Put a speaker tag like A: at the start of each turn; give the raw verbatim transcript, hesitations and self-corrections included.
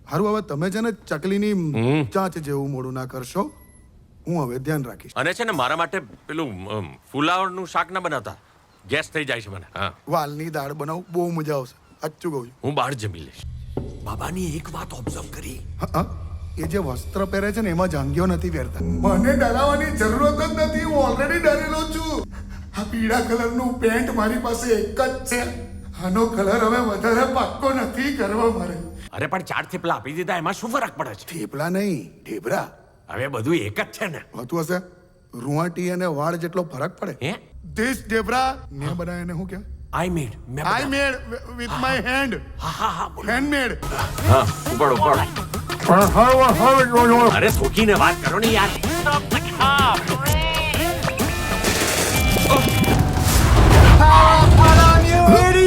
A: હારું હવે તમે છે ને ચકલીની ચાંચ જેવું મોડું ના કરશો. હું હવે ધ્યાન રાખીશ.
B: અને છે ને મારા માટે પેલું અમ, ફુલાવરનું શાક ના બનાવતા, ગેસ થઈ જાય છે મને. હા,
A: વાલની દાળ બનાવું, બહુ મજા આવશે. સાચું કહું છું.
B: હું બહાર જમી લઈશ. બાબાની એક વાત ઓબ્ઝર્વ કરી.
A: હા, હા. એ જે વસ્ત્ર પહેરે છે ને એમાં જાંગીઓ નથી પહેરતા. મને ડરાવવાની જરૂરત જ નથી. હું ઓલરેડી ડરેલો છું. આ પીળા કલરનું પેન્ટ મારી પાસે એક જ છે. આનો કલર હવે વધારે પાક્કો નથી કરવા મારે.
B: અરે પણ ચાર થેપલા આપી દીધા, એમાં શું ફરક પડે છે?
A: થેપલા નહીં, ઢેબરા.
B: હવે બધું એક જ છે ને.
A: હોતું હશે. રૂવાટી અને વાળ જેટલો ફરક પડે.
B: હે
A: ધીસ ઢેબરા મેં બનાવ્યા એને શું કહેવાય?
B: આઈ મેડ મેં
A: આઈ
B: બનાવ્યા.
A: Made with my hand.
B: હા હા હા બોલો.
A: હેન્ડમેડ.
B: હા ઉપાડો ઉપાડો. અરે થોકીને વાત કરો ને યાર.
C: Idiot!